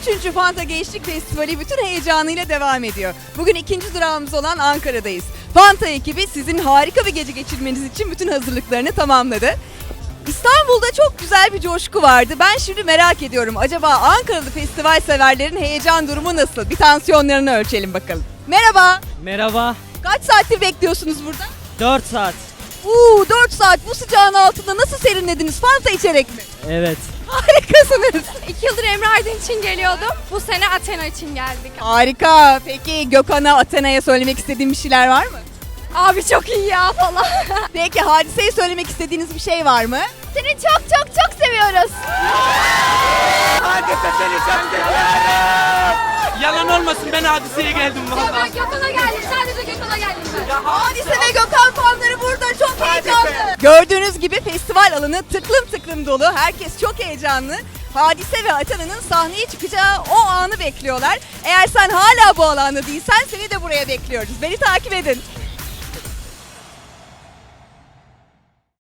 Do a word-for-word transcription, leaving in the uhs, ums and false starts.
üçüncü Fanta Gençlik Festivali bütün heyecanıyla devam ediyor. Bugün ikinci durağımız olan Ankara'dayız. Fanta ekibi sizin harika bir gece geçirmeniz için bütün hazırlıklarını tamamladı. İstanbul'da çok güzel bir coşku vardı. Ben şimdi merak ediyorum. Acaba Ankaralı festival severlerin heyecan durumu nasıl? Bir tansiyonlarını ölçelim bakalım. Merhaba. Merhaba. Kaç saattir bekliyorsunuz burada? dört saat. Uuu dört saat bu sıcağın altında nasıl serinlediniz? Fanta içerek mi? Evet. Harikasınız. İki yıldır Emre Aydın için geliyordum. Bu sene Athena için geldik. Harika. Peki Gökhan'a, Athena'ya söylemek istediğin bir şeyler var mı? Abi çok iyi ya falan. Peki Hadise'ye söylemek istediğiniz bir şey var mı? Seni çok çok çok seviyoruz. Hadise seni çok seviyorum. Yalan olmasın, ben Hadise'ye geldim Ya valla. ben Gökhan'a geldim. Sadece Gökhan'a geldim ben. Hadise ve Gökhan fanları burada çok heyecanlı. Gördüğünüz gibi festival alanı tıklım tıklım dolu. Herkes çok heyecanlı. Hadise ve Athena'nın sahneye çıkacağı o anı bekliyorlar. Eğer sen hala bu alanda değilsen seni de buraya bekliyoruz. Beni takip edin.